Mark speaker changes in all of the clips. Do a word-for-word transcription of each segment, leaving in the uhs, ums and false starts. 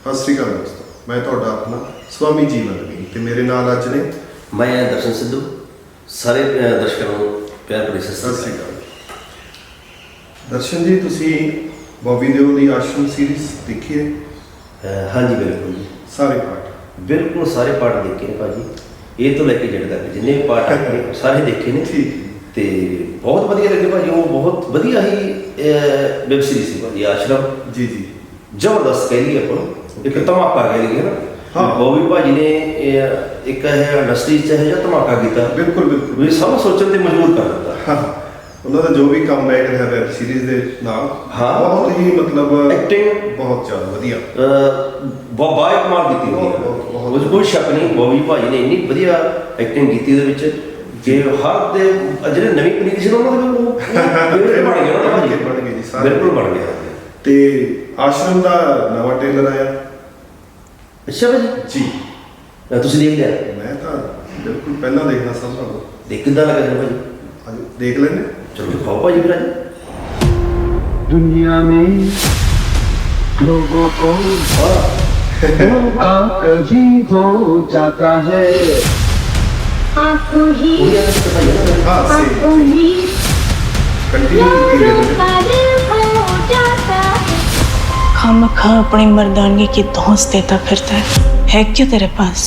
Speaker 1: ਸਤਿ ਸ਼੍ਰੀ ਅਕਾਲ ਦੋਸਤੋ, ਮੈਂ ਤੁਹਾਡਾ ਆਪਣਾ ਸਵਾਮੀ ਜੀਵਨ ਵੀ ਤੇ ਮੇਰੇ ਨਾਲ ਅੱਜ ਨੇ
Speaker 2: ਮੈਂ ਦਰਸ਼ਨ ਸਿੱਧੂ। ਸਾਰੇ ਅਹ, ਦਰਸ਼ਕਾਂ ਨੂੰ ਪਿਆਰ ਭਰੀ ਸਤਿ
Speaker 1: ਸਤਿ
Speaker 2: ਸ਼੍ਰੀ
Speaker 1: ਸ਼੍ਰੀ
Speaker 2: ਅਕਾਲ।
Speaker 1: ਅਕਾਲ। ਦਰਸ਼ਨ ਜੀ, ਤੁਸੀਂ ਬੌਬੀ ਦਿਓਲ ਦੀ ਆਸ਼ਰਮ ਸੀਰੀਜ਼ ਦੇਖੀ ਹੈ?
Speaker 2: ਅਹ, ਹਾਂਜੀ ਬਿਲਕੁਲ ਜੀ,
Speaker 1: ਸਾਰੇ ਪਾਰਟ?
Speaker 2: ਬਿਲਕੁਲ ਸਾਰੇ ਪਾਠ ਦੇਖੇ ਨੇ ਭਾਜੀ, ਇਹ ਤੋਂ ਲੈ ਕੇ ਜਿਹੜੇ ਤੱਕ ਜਿੰਨੇ ਵੀ ਪਾਠ ਆਏ ਨੇ ਸਾਰੇ ਦੇਖੇ ਨੇ
Speaker 1: ਠੀਕ ਹੈ।
Speaker 2: ਤੇ ਬਹੁਤ ਵਧੀਆ ਲੱਗੇ ਭਾਜੀ। ਉਹ ਬਹੁਤ ਵਧੀਆ ਹੀ ਵੈਬ ਸੀਰੀਜ਼ ਸੀ ਭਾਜੀ ਆਸ਼ਰਮ।
Speaker 1: ਜੀ ਜੀ,
Speaker 2: ਜ਼ਬਰਦਸਤ ਕਹਿ ਲਈਏ ਆਪਾਂ ਨੂੰ, ਇੱਕ ਧਮਾਕਾ ਕਹਿ ਲਈਏ ਨਾ।
Speaker 1: ਹਾਂ।
Speaker 2: ਬੌਬੀ ਭਾਜੀ ਨੇ ਇਹ ਇੱਕ ਇਹ ਇੰਡਸਟਰੀ 'ਚ ਇਹੋ ਜਿਹਾ ਧਮਾਕਾ ਕੀਤਾ
Speaker 1: ਬਿਲਕੁਲ ਬਿਲਕੁਲ।
Speaker 2: ਵੀ ਸਭ ਸੋਚਣ ਤੇ ਮਜਬੂਰ ਕਰ ਦਿੱਤਾ।
Speaker 1: ਹਾਂ, ਉਹਨਾਂ ਦਾ ਜੋ ਵੀ ਕੰਮ ਬੈਕ ਰਿਹਾ ਵੈਬ ਸੀਰੀਜ਼ ਦੇ ਨਾਲ,
Speaker 2: ਹਾਂ।
Speaker 1: ਬਹੁਤ ਹੀ ਮਤਲਬ
Speaker 2: ਐਕਟਿੰਗ
Speaker 1: ਬਹੁਤ ਜ਼ਿਆਦਾ ਵਧੀਆ,
Speaker 2: ਬਾਈ ਕਮਾਲ ਕੀਤੀ ਹੋਈ ਹੈ।
Speaker 1: ਬਹੁਤ- ਬਹੁਤ-
Speaker 2: ਉਹ 'ਚ ਕੋਈ ਸ਼ੱਕ ਨਹੀਂ, ਬੌਬੀ ਭਾਜੀ ਨੇ ਇੰਨੀ ਵਧੀਆ ਐਕਟਿੰਗ ਕੀਤੀ ਉਹਦੇ ਵਿੱਚ ਕਿ ਹਰ ਦੇ ਜਿਹੜੇ ਨਵੀਂ ਪਨੀਰੀ ਸੀ ਨਾ, ਉਹਨਾਂ ਦੇ ਉਹ ਫੇਵਰੇਟ ਬਣ ਗਏ ਉਹਨਾਂ ਦਾ ਭਾਜੀ।
Speaker 1: ਬਣ ਗਏ ਜੀ ਸਾਰੇ,
Speaker 2: ਬਿਲਕੁਲ ਬਣ ਗਿਆ।
Speaker 1: ਤੇ ਆਸ਼ਰਮ ਦਾ ਨਵਾਂ ਟ੍ਰੇਲਰ ਆਇਆ
Speaker 2: ਅੱਛਾ ਭਾਜੀ,
Speaker 1: ਜੀ।
Speaker 2: ਅਹ ਤੁਸੀਂ ਦੇਖ ਲਿਆ?
Speaker 1: ਮੈਂ ਤਾਂ ਬਿਲਕੁਲ ਪਹਿਲਾਂ ਦੇਖਣਾ ਸਭ ਨਾਲੋਂ।
Speaker 2: ਦੇਖ ਕਿੱਦਾਂ ਲੱਗਾ ਤੁਹਾਨੂੰ ਭਾਜੀ?
Speaker 1: ਅੱਜ ਦੇਖ ਲੈਂਦੇ।
Speaker 2: ਚਲੋ ਦਿਖਾਓ ਭਾਜੀ ਫਿਰ ਅੱਜ।
Speaker 3: दुनिया में लोगों को धोखा कभी हो जाता है।
Speaker 4: आपको ही
Speaker 2: ਉਹਦੀਆਂ ਤਾਂ ਭਾਜੀ ਨਾ
Speaker 1: हाँ
Speaker 4: आपको
Speaker 1: से
Speaker 4: ही
Speaker 1: कंटिन्यू की
Speaker 4: यादों
Speaker 1: रहते
Speaker 4: का दिल हो जाता है।
Speaker 5: खामखा अपनी मर्दानगी की धौंस देता फिरता है है क्या तेरे पास?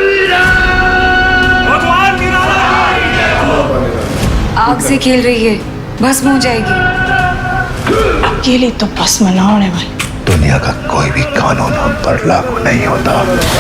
Speaker 6: आग से खेल रही है, भस्म हो जाएगी।
Speaker 5: अकेले तो बस मना होने वाली।
Speaker 3: दुनिया का कोई भी कानून हम पर लागू नहीं होता।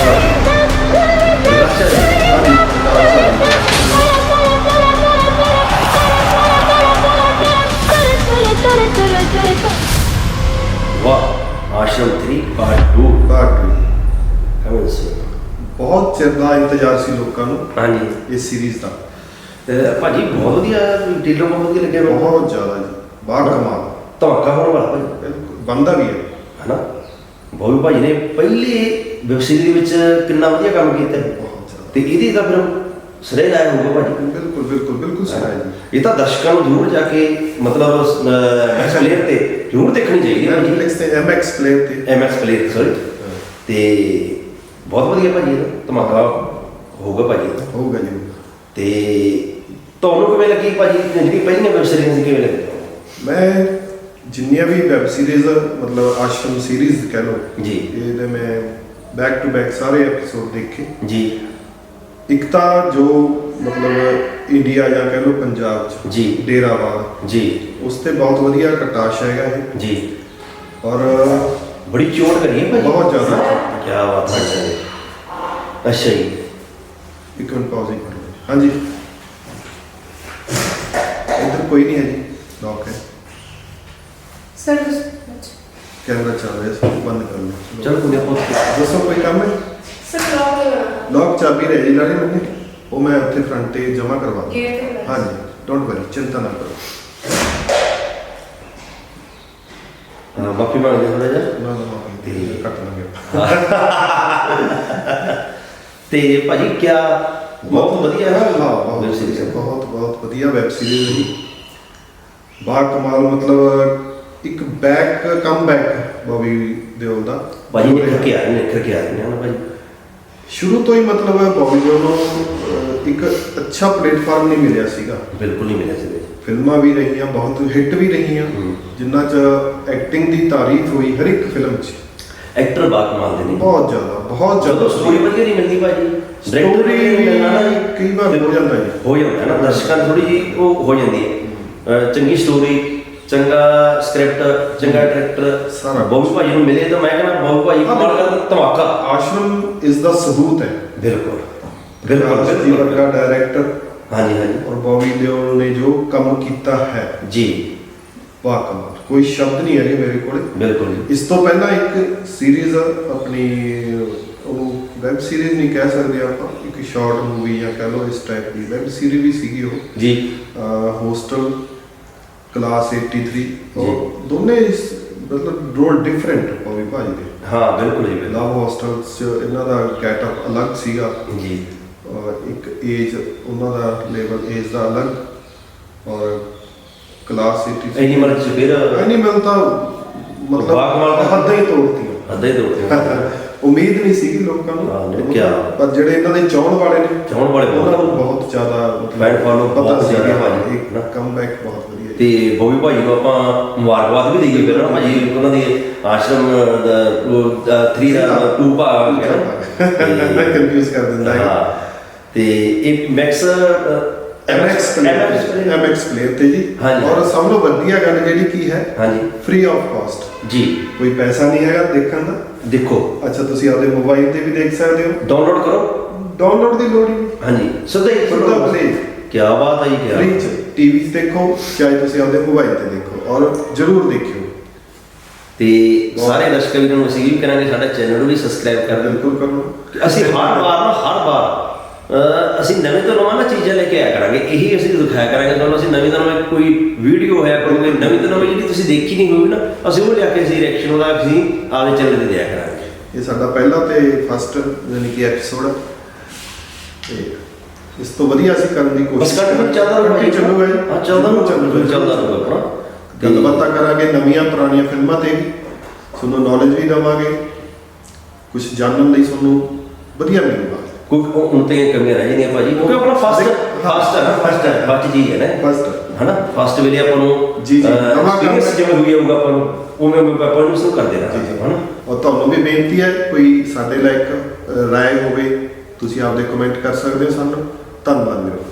Speaker 2: ਵਾਹ, ਆਸ਼ਰਮ ਥ੍ਰੀ ਪਾਰਟ ਟੂ
Speaker 1: ਬਾਕੀ
Speaker 2: ਕਮਨ ਸੀ।
Speaker 1: ਬਹੁਤ ਚਿਰ ਦਾ ਇੰਤਜ਼ਾਰ ਸੀ ਲੋਕਾਂ ਨੂੰ
Speaker 2: ਹਾਂਜੀ
Speaker 1: ਇਸ ਸੀਰੀਜ਼ ਦਾ।
Speaker 2: ਤੇ ਭਾਜੀ ਬਹੁਤ ਵਧੀਆ ਟ੍ਰੇਲਰ, ਬਹੁਤ ਵਧੀਆ ਲੱਗਿਆ ਮੈਨੂੰ।
Speaker 1: ਬਹੁਤ ਜ਼ਿਆਦਾ ਜੀ, ਬਾਹਰ ਕਮਾਲ।
Speaker 2: ਧਮਾਕਾ ਹੋਣ ਵਾਲਾ ਭਾਜੀ,
Speaker 1: ਬਿਲਕੁਲ ਬੰਦਾ ਵੀ ਹੈ।
Speaker 2: ਹਨਾ। ਬੌਬੀ ਭਾਜੀ ਨੇ ਪਹਿਲੀ ਵੈਬ ਸੀਰੀਜ਼ ਦੇ ਵਿੱਚ ਕਿੰਨਾ ਵਧੀਆ ਕੰਮ ਕੀਤਾ ਹੈ।
Speaker 1: ਬਹੁਤ ਜ਼ਿਆਦਾ,
Speaker 2: ਤੇ ਇਹਦੀ ਤਾਂ ਫਿਰ ਸਰੇ ਲਾਇਆ ਹੋਊਗਾ ਭਾਜੀ।
Speaker 1: ਬਿਲਕੁਲ ਬਿਲਕੁਲ ਬਿਲਕੁਲ ਸਹੀ ਹੈ ਜੀ।
Speaker 2: ਇਹ ਤਾਂ ਦਰਸ਼ਕਾਂ ਨੂੰ ਜ਼ਰੂਰ ਜਾ ਕੇ ਮਤਲਬ ਐਕਸ ਪਲੇਅਰ ਤੇ ਜ਼ਰੂਰ ਦੇਖਣੀ ਚਾਹੀਦੀ ਹੈ ਭਾਜੀ।
Speaker 1: ਨੈਟਫਲਿਕਸ ਤੇ ਐਮਐਕਸ ਪਲੇਅਰ ਤੇ
Speaker 2: ਐਮ ਐਕਸ ਪਲੇਅਰ ਸੌਰੀ। ਤੇ ਬਹੁਤ ਵਧੀਆ ਭਾਜੀ, ਇਹਦਾ ਧਮਾਕਾ ਹੋਊਗਾ ਭਾਜੀ ਇਹਦਾ।
Speaker 1: ਹੋਊਗਾ ਜੀ।
Speaker 2: ਤੇ ਤੁਹਾਨੂੰ ਕਿਵੇਂ ਲੱਗੀ ਭਾਜੀ ਜਿਹੜੀ ਪਹਿਲੀਆਂ ਵੈਬ ਸੀਰੀਜ਼ ਸੀ, ਕਿਵੇਂ ਲੱਗੀ?
Speaker 1: ਮੈਂ ਜਿੰਨੀਆਂ ਵੀ ਵੈਬ ਸੀਰੀਜ਼ ਮਤਲਬ ਆਸ਼ਰਮ ਸੀਰੀਜ਼ ਕਹਿ ਲਓ
Speaker 2: ਜੀ
Speaker 1: ਇਹਦੇ ਮੈਂ ਬੈਕ ਟੂ ਬੈਕ ਸਾਰੇ ਐਪੀਸੋਡ ਦੇਖੇ।
Speaker 2: ਜੀ
Speaker 1: ਇੱਕ ਤਾਂ ਜੋ ਮਤਲਬ ਇੰਡੀਆ ਜਾਂ ਕਹਿ ਲਓ ਪੰਜਾਬ 'ਚ
Speaker 2: ਜੀ
Speaker 1: ਡੇਰਾਵਾਲ,
Speaker 2: ਜੀ
Speaker 1: ਉਸ ਤੇ ਬਹੁਤ ਵਧੀਆ ਕਟਾਸ਼ ਹੈਗਾ ਇਹ।
Speaker 2: ਜੀ
Speaker 1: ਔਰ
Speaker 2: ਬੜੀ ਚੋਟ ਕਰੀ ਹੈ ਭਾਜੀ,
Speaker 1: ਬਹੁਤ ਜ਼ਿਆਦਾ।
Speaker 2: ਕੀ ਬਾਤ ਹੈ। ਅੱਛਾ ਜੀ,
Speaker 1: ਇੱਕ ਮਿੰਟ ਪਾਉਜ਼ ਹੀ ਕਰ ਲਓ। ਹਾਂਜੀ, ਇੱਧਰ ਕੋਈ ਨਹੀਂ ਹੈ ਜੀ, ਲੌਕ ਹੈ।
Speaker 6: सर
Speaker 1: ਕੈਮਰਾ ਚੱਲ ਰਿਹਾ ਸੀ, ਬੰਦ ਕਰ ਲਓ।
Speaker 2: ਚਲੋ ਕੋਈ ਆਪਾਂ
Speaker 1: ਦੱਸੋ, ਕੋਈ ਕੰਮ ਹੈ? ਲੌਕ ਚਾਬੀ ਰਹਿ ਜੀ ਨਾਲੇ ਮੈंने, ਉਹ ਮੈਂ ਉੱਥੇ ਫਰੰਟ ਤੇ ਜਮ੍ਹਾਂ ਕਰਵਾ ਦੂੰ। ਹਾਂਜੀ, ਡੋਂਟ ਵਰੀ, ਚਿੰਤਾ ਨਾ ਕਰੋ।
Speaker 2: ਹਾਂ, ਮਾਫੀ ਮੰਗਦੇ ਥੋੜਾ ਜਿਹਾ।
Speaker 1: ਨਾ ਨਾ ਮਾਫੀ ਤੇ ਕੱਟ ਲਾਂਗੇ।
Speaker 2: ਤੇ ਭਾਜੀ ਕਿਆ ਬਹੁਤ ਵਧੀਆ ਹੈ ਨਾ।
Speaker 1: ਹਾਂ, ਬਹੁਤ
Speaker 2: ਵੈਬ ਸੀਰੀਜ਼
Speaker 1: ਵਧੀਆ, ਬਹੁਤ ਬਹੁਤ ਵਧੀਆ ਵੈਬ ਸੀਰੀਜ਼ ਹੈ ਜੀ। ਬਾ ਕਮਾਲ, ਮਤਲਬ ਇੱਕ back come back Bobby Deol ਦਾ।
Speaker 2: ਭਾਜੀ ਨਿਖਰ ਕੇ ਆ ਰਹੇ ਨੇ, ਨਿਖਰ ਕੇ ਆ ਰਹੇ ਨੇ ਨਾ ਭਾਜੀ।
Speaker 1: ਸ਼ੁਰੂ ਤੋਂ ਹੀ ਮਤਲਬ ਬੌਬੀ ਦਿਓਲ ਨੂੰ ਅਹ, ਇੱਕ ਅੱਛਾ ਪਲੇਟਫਾਰਮ ਨਹੀਂ ਮਿਲਿਆ ਸੀਗਾ।
Speaker 2: ਬਿਲਕੁਲ ਨਹੀਂ ਮਿਲਿਆ ਸੀ।
Speaker 1: ਫਿਲਮਾਂ ਵੀ ਰਹੀਆਂ, ਬਹੁਤ ਹਿੱਟ ਵੀ ਰਹੀਆਂ,
Speaker 2: ਹੂੰ।
Speaker 1: ਜਿਨ੍ਹਾਂ 'ਚ ਐਕਟਿੰਗ ਦੀ ਤਾਰੀਫ ਹੋਈ ਹਰ ਇੱਕ ਫਿਲਮ 'ਚ।
Speaker 2: ਐਕਟਰ ਬਾਕ ਮਾਲ ਦੇ ਨੇ
Speaker 1: ਬਹੁਤ ਜ਼ਿਆਦਾ, ਬਹੁਤ ਜ਼ਿਆਦਾ।
Speaker 2: ਜਦੋਂ ਸਟੋਰੀ ਵਧੀਆ ਨਹੀਂ ਮਿਲਦੀ ਭਾਜੀ, ਡਾਇਰੈਕਟਰ
Speaker 1: Story
Speaker 2: ਵੀ ਮਿਲਣਾ ਨਾ ਜੀ,
Speaker 1: ਕਈ ਵਾਰ ਹੋ ਜਾਂਦਾ ਜੀ।
Speaker 2: ਹੋ ਜਾਂਦਾ ਹੈ ਨਾ, ਦਰਸ਼ਕਾਂ ਨੂੰ ਥੋੜੀ ਜਿਹੀ ਉਹ ਹੋ ਜਾਂਦੀ ਹੈ। ਅਹ ਚੰਗੀ ਸਟੋਰੀ, ਚੰਗਾ ਸਕ੍ਰਿਪਟ, ਚੰਗਾ ਡਾਇਰੈਕਟਰ
Speaker 1: ਸਾਰਾ।
Speaker 2: ਬੌਬੀ ਭਾਜੀ ਨੂੰ ਮਿਲੇ ਤਾਂ ਮੈਂ ਕਹਿੰਦਾ ਬੌਬੀ ਭਾਜੀ
Speaker 1: ਹਾਂ,
Speaker 2: ਕਮਾਲ ਕਰ ਧਮਾਕਾ।
Speaker 1: ਆਸ਼ਰਮ ਇਸ ਦਾ ਸਬੂਤ ਹੈ।
Speaker 2: ਬਿਲਕੁਲ
Speaker 1: ਬਿਲਕੁਲ ਜੀ,
Speaker 2: ਬਿਲਕੁਲ
Speaker 1: ਵਰਗਾ ਡਾਇਰੈਕਟਰ
Speaker 2: ਹਾਂਜੀ ਹਾਂਜੀ
Speaker 1: ਔਰ ਬੌਬੀ ਦਿਓਲ ਨੇ ਜੋ ਕੰਮ ਕੀਤਾ ਹੈ,
Speaker 2: ਜੀ,
Speaker 1: ਵਾਹ ਕਮਾਲ, ਕੋਈ ਸ਼ਬਦ ਨਹੀਂ ਹੈਗੇ ਮੇਰੇ ਕੋਲੇ।
Speaker 2: ਬਿਲਕੁਲ ਜੀ।
Speaker 1: ਇਸ ਤੋਂ ਪਹਿਲਾਂ ਇੱਕ ਸੀਰੀਜ਼ ਆਪਣੀ, ਉਹ ਵੈਬ ਸੀਰੀਜ਼ ਨਹੀਂ ਕਹਿ ਸਕਦੇ ਆਪਾਂ, ਇੱਕ ਸ਼ਾਰਟ ਮੂਵੀ ਜਾਂ ਕਹਿ ਲਓ ਇਸ ਟਾਈਪ ਦੀ ਵੈਬ ਸੀਰੀਜ਼ ਵੀ ਸੀਗੀ ਉਹ,
Speaker 2: ਜੀ
Speaker 1: ਹੋਸਟਲ ਕਲਾਸ ਤਿਰਾਸੀ। ਉਹ ਦੋਨੇ ਇਸ ਮਤਲਬ ਰੋਲ ਡਿਫਰੈਂਟ ਬੌਬੀ ਭਾਜੀ ਦੇ।
Speaker 2: ਹਾਂ ਬਿਲਕੁਲ ਜੀ ਬਿਲਕੁਲ।
Speaker 1: ਲਵ ਹੋਸਟਲ 'ਚ ਇਹਨਾਂ ਦਾ ਗੈਟਅਪ ਅਲੱਗ ਸੀਗਾ,
Speaker 2: ਜੀ
Speaker 1: ਇੱਕ ਏਜ ਉਹਨਾਂ ਦਾ ਲੈਵਲ ਏਜ ਦਾ ਅਲੱਗ, ਔਰ ਕਲਾਸ ਤਿਰਾਸੀ
Speaker 2: ਐਨੀਮਲ ਚ ਫਿਰ
Speaker 1: ਐਨੀਮਲ ਤਾਂ ਮਤਲਬ
Speaker 2: ਬਾਕਮਾਲ ਤਾਂ
Speaker 1: ਹੱਦਾਂ ਹੀ ਤੋੜਤੀਆਂ।
Speaker 2: ਅੱਧਾ ਹੀ ਤੋੜਦੇ
Speaker 1: ਉਮੀਦ ਨਹੀਂ ਸੀਗੀ ਲੋਕਾਂ ਨੂੰ,
Speaker 2: ਹਾਂ, ਨਹੀਂ, ਕਿਆ।
Speaker 1: ਪਰ ਜਿਹੜੇ ਇਹਨਾਂ ਦੇ ਚਾਹਣ ਵਾਲੇ ਨੇ
Speaker 2: ਚਾਹੁਣ ਵਾਲੇ ਬਹੁਤ
Speaker 1: ਉਹਨਾਂ ਨੂੰ ਬਹੁਤ ਜ਼ਿਆਦਾ
Speaker 2: Fan follow
Speaker 1: ਪਤਾ
Speaker 2: ਬਹੁਤ
Speaker 1: ਸੀ
Speaker 2: ਜ਼ਿਆਦਾ
Speaker 1: ਕਿ
Speaker 2: ਭਾਜੀ,
Speaker 1: ਇੱਕ
Speaker 2: ਨਾ।
Speaker 1: ਕਮਬੈਕ ਬਹੁਤ ਵਧੀਆ
Speaker 2: ਤੇ ਬੋਬੀ ਭਾਜੀ ਨੂੰ ਆਪਾਂ ਮੁਬਾਰਕਬਾਦ ਵੀ ਦੇਈਏ ਫਿਰ ਨਾ ਭਾਜੀ, ਉਹਨਾਂ ਦੀ ਆਸ਼ਰਮ ਦਾ ਥ੍ਰੀ ਦਾ ਟੂ ਭਾਗ ਹੈ ਨਾ।
Speaker 1: ਮੈਂ ਕਨਫਿਊਜ਼ ਕਰ ਦਿੰਦਾ ਹੈ।
Speaker 2: ਹਾਂ, ਤੇ ਇਹ max
Speaker 1: MX player MX player ਤੇ ਜੀ,
Speaker 2: ਹਾਂਜੀ।
Speaker 1: ਔਰ ਸਭ ਤੋਂ ਵਧੀਆ ਗੱਲ ਜਿਹੜੀ ਕੀ ਹੈ,
Speaker 2: ਹਾਂਜੀ
Speaker 1: ਫ੍ਰੀ ਆਫ ਕਾਸਟ,
Speaker 2: ਜੀ,
Speaker 1: ਕੋਈ ਪੈਸਾ ਨਹੀਂ ਹੈਗਾ ਦੇਖਣ ਦਾ।
Speaker 2: ਦੇਖੋ
Speaker 1: ਅੱਛਾ, ਤੁਸੀਂ ਆਪਦੇ ਮੋਬਾਈਲ ਤੇ ਵੀ ਦੇਖ ਸਕਦੇ ਹੋ,
Speaker 2: ਡਾਊਨਲੋਡ ਕਰੋ।
Speaker 1: ਡਾਊਨਲੋਡ ਦੀ ਲੋੜ ਹੀ ਨਹੀਂ,
Speaker 2: ਹਾਂਜੀ ਸਿੱਧਾ ਹੀ
Speaker 1: ਸਿੱਧਾ play।
Speaker 2: ਕੀ ਬਾਤ ਹੈ ਜੀ, ਕੀ
Speaker 1: ਫ੍ਰੀ ਚ ਟੀਵੀ 'ਚ ਦੇਖੋ, ਚਾਹੇ ਤੁਸੀਂ ਆਪਦੇ ਮੋਬਾਈਲ ਤੇ ਦੇਖੋ, ਔਰ ਜ਼ਰੂਰ ਦੇਖਿਓ।
Speaker 2: ਤੇ ਸਾਰੇ ਦਰਸ਼ਕਾਂ ਵੀਰਾਂ ਨੂੰ ਅਸੀਂ ਵੀ ਕਰਾਂਗੇ ਸਾਡਾ ਚੈਨਲ ਨੂੰ ਵੀ ਸਬਸਕ੍ਰਾਈਬ ਕਰ ਦਿਓ।
Speaker 1: ਬਿਲਕੁਲ ਕਰੋ।
Speaker 2: ਅਸੀਂ ਹਰ ਵਾਰ ਨਾ ਹਰ ਵਾਰ ਅਹ ਅਸੀਂ ਨਵੇਂ ਤੋਂ ਨਵਾਂ ਨਾ ਚੀਜ਼ਾਂ ਲੈ ਕੇ ਆਇਆ ਕਰਾਂਗੇ, ਇਹੀ ਅਸੀਂ ਦਿਖਾਇਆ ਕਰਾਂਗੇ ਤੁਹਾਨੂੰ। ਅਸੀਂ ਨਵੀਂ ਤੋਂ ਨਵੀਂ ਕੋਈ ਵੀਡੀਓ ਹੋਇਆ ਕਰੂਗੇ, ਨਵੀਂ ਤੋਂ ਨਵੀਂ ਜਿਹੜੀ ਤੁਸੀਂ ਦੇਖੀ ਨਹੀਂ ਹੋਊਗੀ ਨਾ, ਅਸੀਂ ਉਹ ਲਿਆ ਕੇ ਅਸੀਂ ਰਿਐਕਸ਼ਨ ਉਹਦਾ ਅਸੀਂ ਆਪਦੇ ਚੈਨਲ ਤੇ ਦਿਆ ਕਰਾਂਗੇ।
Speaker 1: ਇਹ ਸਾਡਾ ਪਹਿਲਾ ਤੇ ਫਸਟ ਯਾਨੀ ਕਿ ਐਪੀਸੋਡ ਹੈ, ਤੇ ਇਸ ਤੋਂ ਵਧੀਆ ਅਸੀਂ ਕਰਨ ਦੀ
Speaker 2: ਬਸ
Speaker 1: ਕੋਸ਼ਿਸ਼
Speaker 2: ਕੰਟੀਨਿਊ ਚੱਲਦਾ ਰਹੂਗਾ ਜੀ।
Speaker 1: ਚੱਲੂਗਾ ਜੀ।
Speaker 2: ਹਾਂ, ਚੱਲਦਾ ਰਹੂਗਾ,
Speaker 1: ਚੱਲੂਗਾ
Speaker 2: ਚੱਲਦਾ ਰਹੂਗਾ ਆਪਣਾ।
Speaker 1: ਗੱਲਬਾਤਾਂ ਕਰਾਂਗੇ ਨਵੀਆਂ ਪੁਰਾਣੀਆਂ ਫਿਲਮਾਂ ਤੇ ਵੀ, ਤੁਹਾਨੂੰ ਨੌਲੇਜ ਵੀ ਦੇਵਾਂਗੇ, ਕੁਝ ਜਾਣਨ ਲਈ ਤੁਹਾਨੂੰ ਵਧੀਆ ਮਿਲੂਗਾ।
Speaker 2: ਕੋਈ ਹੁਣ ਤੇ ਕਮੀਆਂ ਰਹਿ ਜਾਂਦੀਆਂ ਭਾਜੀ, ਕਿਉਂਕਿ ਆਪਣਾ ਫਸਟ ਫਸਟ ਹੈ ਨਾ, ਫਸਟ ਹੈ ਬੱਚ ਜੀ ਹੈ ਨਾ,
Speaker 1: ਫਸਟ
Speaker 2: ਹਨਾ। ਫਸਟ ਵੇਲੇ ਆਪਾਂ ਨੂੰ
Speaker 1: ਜੀ, ਜੀ, ਨਵਾਂ ਕੰਮ
Speaker 2: ਐਕਸਪੀਰੀਅੰਸ ਜਿਵੇਂ ਹੋਈ ਜਾਊਗਾ ਆਪਾਂ ਨੂੰ, ਉਵੇਂ ਉਵੇਂ ਆਪਾਂ ਨੂੰ ਸ਼ੁਰੂ ਕਰਦੇ
Speaker 1: ਜੀ
Speaker 2: ਰਹਾਂਗੇ,
Speaker 1: ਜੀ।
Speaker 2: ਹਨਾ।
Speaker 1: ਔਰ ਤੁਹਾਨੂੰ ਵੀ ਬੇਨਤੀ ਹੈ, ਕੋਈ ਸਾਡੇ ਲਾਇਕ ਰਾਏ ਹੋਵੇ, ਤੁਸੀਂ ਆਪਦੇ ਕਮੈਂਟ ਕਰ ਸਕਦੇ ਹੋ ਸਾਨੂੰ। ਧੰਨਵਾਦ ਵੀਰੋ।